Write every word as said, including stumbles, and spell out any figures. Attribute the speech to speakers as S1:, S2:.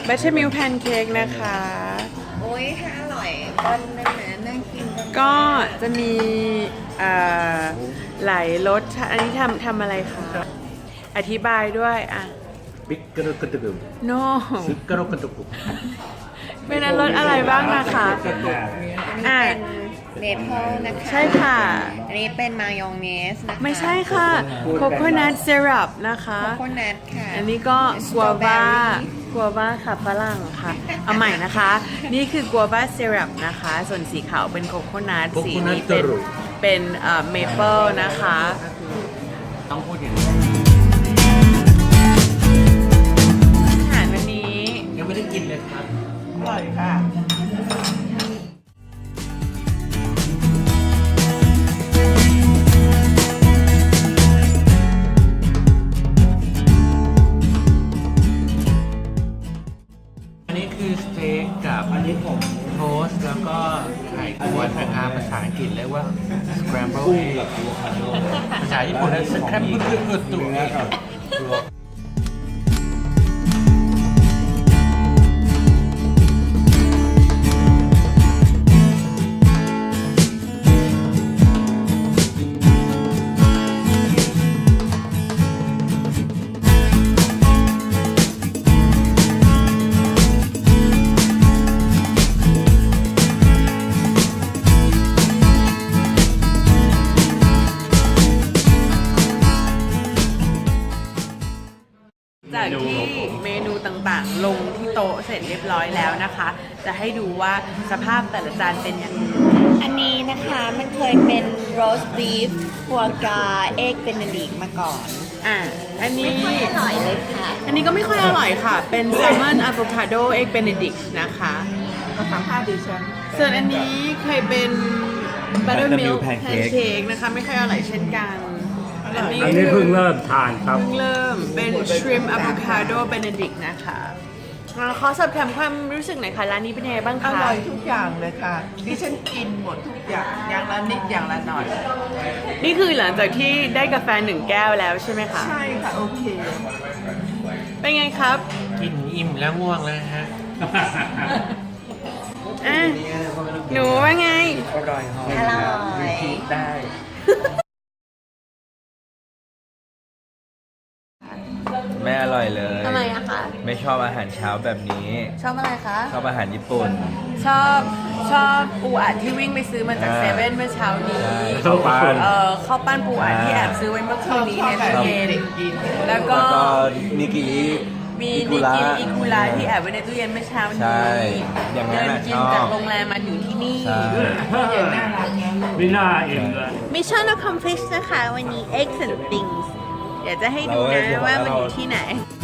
S1: บัตเตอร์มิลค์แพนเค้กนะคะ
S2: โอ้ยถ้าอร่อยบ้านนั่นนะน่ากินจัง
S1: ก็จะมีเอ่อหลายรสอันนี้ทำทำอะไรคะอธิบายด้วยอ่ะ
S3: บิ๊กกระดุกกระดุก
S1: no
S3: ซึกกระดุกกระดุก
S1: เป็นรสอะไรบ้างนะคะอ่ะ
S2: เมเปิลนะคะ
S1: ใช่ค่ะ
S2: อันนี้เป็นมายองเนสนะคะ
S1: ไม่ใช่ค่ะโคโคนัทเซรัปนะคะ
S2: โคโคนัทค่ะ
S1: อันนี้ก็กัววากัววาค่ะฝรั่งค่ะ เอาใหม่นะคะ นี่คือกัววาเซรัปนะคะ ส่วนสีขาวเป็นโคโคนัทสีนี้เป็นเป็นเอ่อเมเปิลนะคะ
S3: ต้องพูดอย่างนี้
S1: อาหารวันนี้
S3: ยังไม่ได้กินเลยครับ
S1: อร่อยค่ะ
S3: อันนี้คือสเต็กกับอันนี้ผมโทสต์แล้วก็ไข่กวนนะครับภาษาอังกฤษเรียกว่า scramble egg ภาษาญี่ปุ่นเรียก scramble egg
S1: จากที่เมนูต่างๆ ลงที่โต๊ะเสร็จเรียบร้อยแล้วนะคะ จะให้ดูว่าสภาพแต่ละจานเป็นอย่างไร
S2: อันนี้นะคะมันเคยเป็นโรสต์บีฟฟัวกราเอ็กเบนเนดิกมาก่อน
S1: อ่ะ อันนี้
S2: ไม่ค่อยอร่อยเลยค่ะ
S1: อันนี้ก็ไม่ค่อยอร่อยค่ะ เป็นแซลมอนอะโวคาโดเอ็กเบเนดิกนะคะ
S4: ภาษาพาดิฉัน
S1: ส่วนอันนี้เคยเป็นบัตเตอร์มิล
S4: Buttermilk
S1: ค์แพน
S4: pancake
S1: เค้กนะคะ ไม่ค่อยอร่อยเช่นกัน อันนี้
S4: อันนี้เพิ่งเริ่มทานครับ
S1: เพิ่งเริ่มเป็นชริมอะโวคาโดเบเนดิกนะคะอ่าขอสอบถามความรู้สึกหน่อยค่ะ ร้านนี้เป็นยังไงบ้าง
S5: อ
S1: คะ
S5: ร่อยทุกอย่างเลยค่ะ ดิฉันกินหมดทุกอย่าง อย่างละนิดอย่างละหน่อย
S1: นี่คือหลังจากที่ได้กาแฟหนึ่งแก้วแล้วใช่ไหมคะ
S5: ใช่ค่ะ โอเค
S1: เป็นไงครับ
S3: กินอิ่มแล้วง่วงแล้วฮะ
S1: อ่ะ หนูว่าไง
S3: อร่อยหอม
S2: อร่อย
S3: รีพีทได้
S4: ไม่อร่อยเลย
S1: ทำไมอะคะ
S4: ไม่ชอบอาหารเช้าแบบนี้
S1: ชอบอะไรคะ
S4: ชอบอาหารญี่ปุ่น
S1: ชอบชอบปูอัดที่วิ่งไปซื้อมาจาก
S4: อ่า
S1: เซเว่นเมื่อเช้านี้
S4: ข้าวปั้น
S1: เอ่อข้าวปั้นปูอัด
S4: อ่า
S1: ที่แอบซื้อไว้เมื่อคืนนี้ใน
S5: ชอบ
S1: ตู้เย็น
S5: แบบกิน
S1: แล้วก็
S4: แล้วก็นิกิ
S1: มี
S4: อิกุ
S1: นิ
S4: ระ
S1: กินอิคุระที่แอบไว้ในตู้เย็นเมื่อเช้านี้
S4: ใช่อย่างนั้น
S1: เดิน
S4: น่ะ
S1: กิน
S4: ชอบ
S1: จากโรงแรมมาถึงที่นี่
S4: ใช่
S6: ไม่น่าเอ็มเลย
S1: Mission accomplished นะคะ วันนี้ Eggs and Things เดี๋ยวจะให้ดูนะว่ามันอยู่ที่ไหน